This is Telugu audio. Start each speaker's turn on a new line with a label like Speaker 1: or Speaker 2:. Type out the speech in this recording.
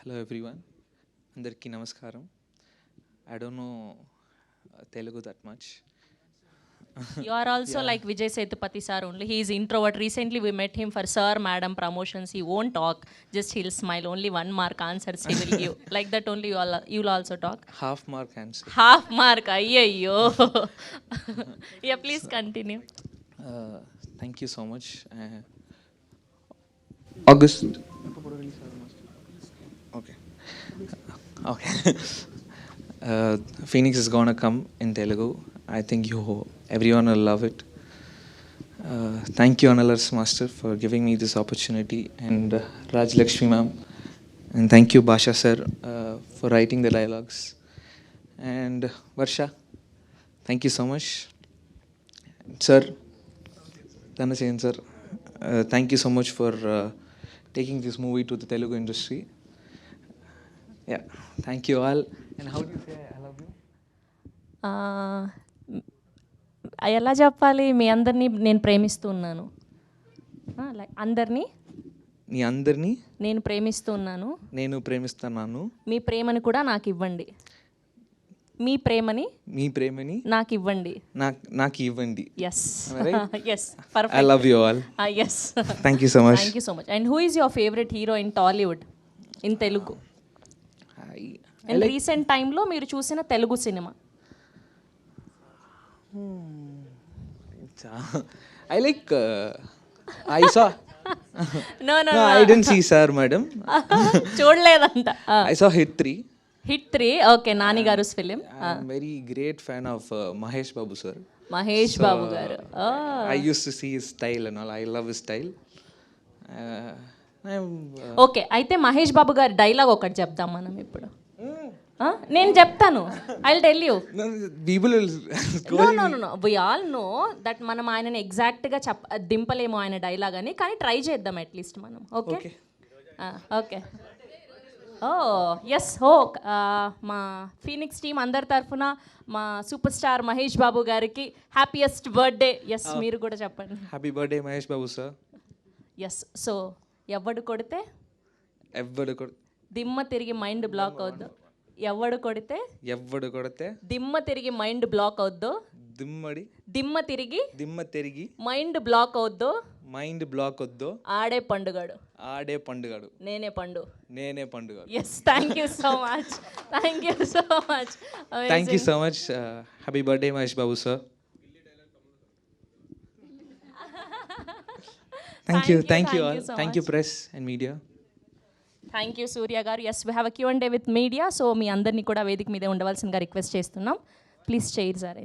Speaker 1: హలో ఎవ్రీవన్, అందరికీ నమస్కారం. I don't know Telugu that much.
Speaker 2: You are also like Vijay Sethupathi sir only. He is introvert. Recently we met him for sir, madam promotions. He won't talk. Just he'll smile. Only 1 mark answers he will give. Like that only you'll also talk.
Speaker 1: Half mark answer.
Speaker 2: Half mark. Ayyo. Yeah, please continue.
Speaker 1: Thank you so much. August. Okay. Okay. Phoenix is gonna come in Telugu. I think everyone will love it. Thank you, Analars Master, for giving me this opportunity, and Raj Lakshmi ma'am, and thank you, Basha sir, for writing the dialogues, and Varsha, thank you so much, sir. Dhanachayan sir, thank you so much for taking this movie to the Telugu industry. Yeah, thank you all. And how do you say I love you?
Speaker 2: ఎలా చెప్పాలి? మీ అందరినీ నేను ప్రేమిస్తున్నాను. అందరినీ
Speaker 1: నీ అందరినీ
Speaker 2: నేను ప్రేమిస్తున్నాను.
Speaker 1: నేను ప్రేమిస్తున్నాను.
Speaker 2: మీ ప్రేమని కూడా నాకు ఇవ్వండి. మీ ప్రేమని నాకు ఇవ్వండి.
Speaker 1: నాకు ఇవ్వండి.
Speaker 2: Yes yes
Speaker 1: I
Speaker 2: perfect.
Speaker 1: love you all.
Speaker 2: Yes
Speaker 1: Thank you so much.
Speaker 2: Thank you so much. And who is your favourite hero in Tollywood, in Telugu? And recent టైంలో మీరు చూసిన Telugu cinema?
Speaker 1: I like I saw
Speaker 2: no
Speaker 1: no I didn't see sir madam.
Speaker 2: చూడలేదంట.
Speaker 1: I saw Hit 3.
Speaker 2: Hit 3. Okay, Nani గారు film.
Speaker 1: I'm very great fan of Mahesh Babu sir.
Speaker 2: Mahesh Babu గారు.
Speaker 1: I used to see his style and all. I love his style.
Speaker 2: Okay, అయితే మహేష్ బాబు గారి డైలాగ్ ఒకటి చెప్దాం మనం ఇప్పుడు. నేను చెప్తాను. I will tell you.
Speaker 1: People will
Speaker 2: know we all know that మనం ఆయనని ఎగ్జాక్ట్గా దింపలేము ఆయన డైలాగ్ అని, కానీ ట్రై చేద్దాం అట్లీస్ట్ మనం. Okay okay. Oh yes. మా ఫీనిక్స్ టీం అందరి తరఫున మా సూపర్ స్టార్ మహేష్ బాబు గారికి హ్యాపీయెస్ట్ బర్త్డే. ఎస్, మీరు కూడా చెప్పండి.
Speaker 1: Happy birthday Mahesh Babu sir.
Speaker 2: Yes. So ఎవడు కొడితే దిమ్మ తిరిగి మైండ్ బ్లాక్ అవుద్దు. ఎవడు కొడితే దిమ్మ తిరిగి మైండ్ బ్లాక్ అవుద్దు. దిమ్మ తిరిగి మైండ్ బ్లాక్ అవుద్దు. ఆడే పండుగాడు. నేనే పండుగ. Yes, thank you so much. Thank
Speaker 1: you so much. Happy birthday Mahesh Babu sir. Thank you all. Thank you press and media.
Speaker 2: Thank you Surya గారు. Yes, we have a Q&A with media. So మీ అందరినీ కూడా వేదిక మీదే ఉండవలసిందిగా రిక్వెస్ట్ చేస్తున్నాం. Please chairs arrange.